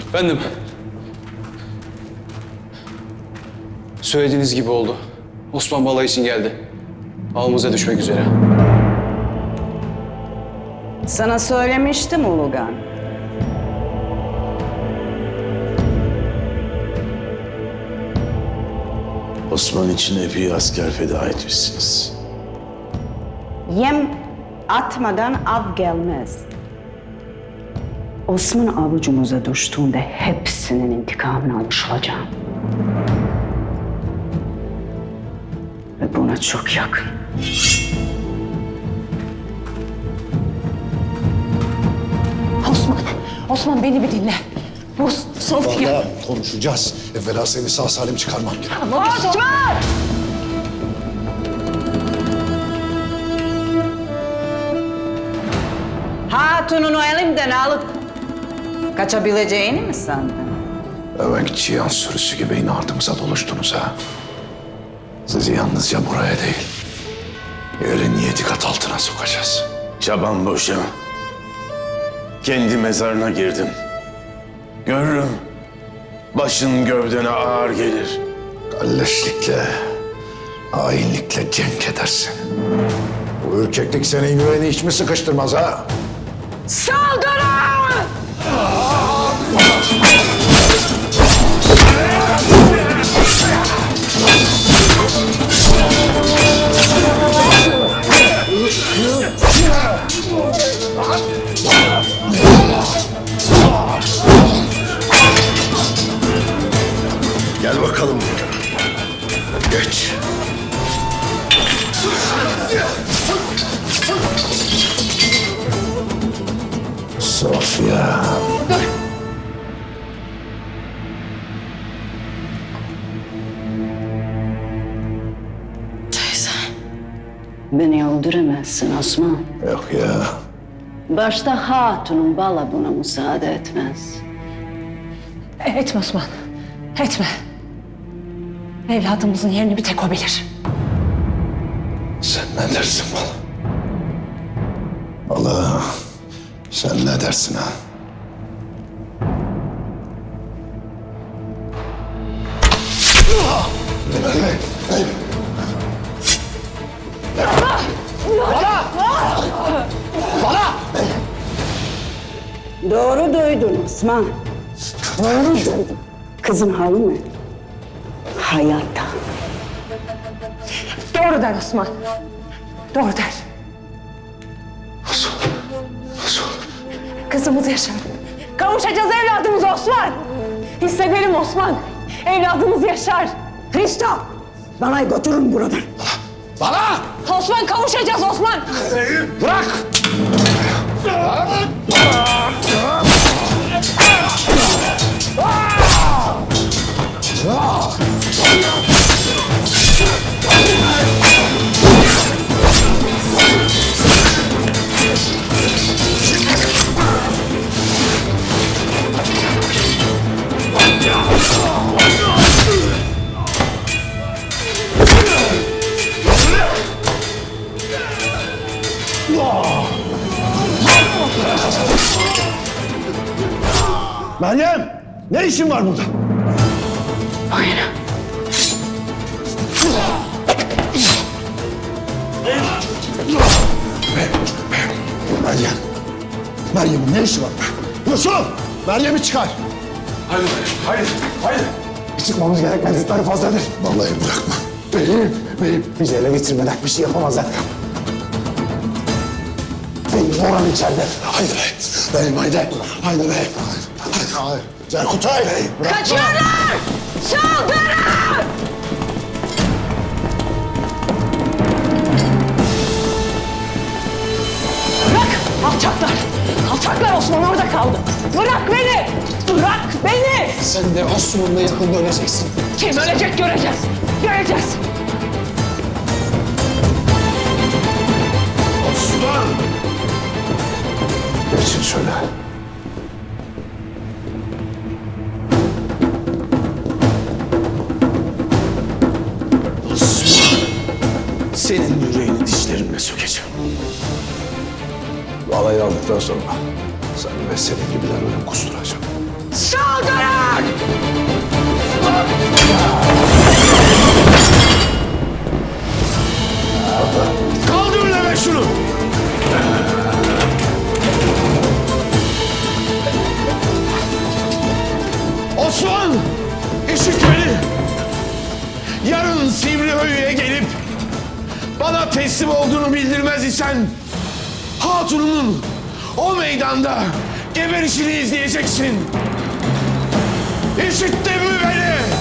Efendim? Söylediğiniz gibi oldu. Osman balayı için geldi. Ağımıza düşmek üzere. Sana söylemiştim Ulugan. Osman için epey asker feda etmişsiniz. Yem atmadan av gelmez. Osman avucumuza düştüğünde hepsinin intikamını almış olacağım. Ve buna çok yakın. Osman beni bir dinle. Bu Sofya. Vallahi konuşacağız. Evvela seni sağ salim çıkarmam gerek. Osman! Hatununu elimden alıp kaçabileceğini mi sandın? Evenki çiyan sürüsü gibi yine ardımıza doluştunuz ha. Sizi yalnızca buraya değil, yerin 7 kat altına sokacağız. Çaban boşa. Kendi mezarına girdim. Görürüm. Başın gövdene ağır gelir. Kalleşlikle, hainlikle cenk edersin. Bu ürkeklik senin yüreğini hiç mi sıkıştırmaz ha? Saldırın! Gel bakalım. Geç. Sofya. Beni öldüremezsin Osman. Yok ya. Başta hatunun bala buna müsaade etmez. Etme Osman. Etme. Evladımızın yerini bir tek o bilir. Sen ne dersin bana? Allah, sen ne dersin ha? Doğru duydun Osman. Doğru duydun. Kızın halı mı? Hayatta. Doğru der Osman. Doğru der. Nasıl? Nasıl? Kızımız yaşar. Kavuşacağız evladımıza Osman. Hissedelim Osman. Evladımız yaşar. Hristo! Bana götürün buradan. Bana! Osman kavuşacağız Osman. Bırak! Meryem! Ne işin var burada? Meryem! Meryem'in ne işi var? Yusuf! Meryem'i çıkar! Haydi. Çıkmamız gerek, mevcutları fazladır. Vallahi bırakma. Benim. Bizi ele getirmeden bir şey yapamazlar. Benim oran içeride. Haydi be. Benim haydi. Haydi be. Haydi. Cerkutay. Kaçıyorlar! Saldırın! Bırak! Alçaklar! Alçaklar Osman orada kaldı. Bırak beni! Bırak beni! Sen de Osman'la yakında öleceksin. Kim ölecek göreceğiz. Göreceğiz. Osman! Geçin şöyle. Senin yüreğini dişlerimle sökeceğim. Alayı aldıktan sonra sen ve senin gibiler ölüm kusturacağım. Sal! Alçak! Kaldır lan şunu! Osman! İşit beni! Yarın Sivrihöyü'ye gelip bana teslim olduğunu bildirmez isen Hatun'un o meydanda geberişini izleyeceksin. İşittin mi beni?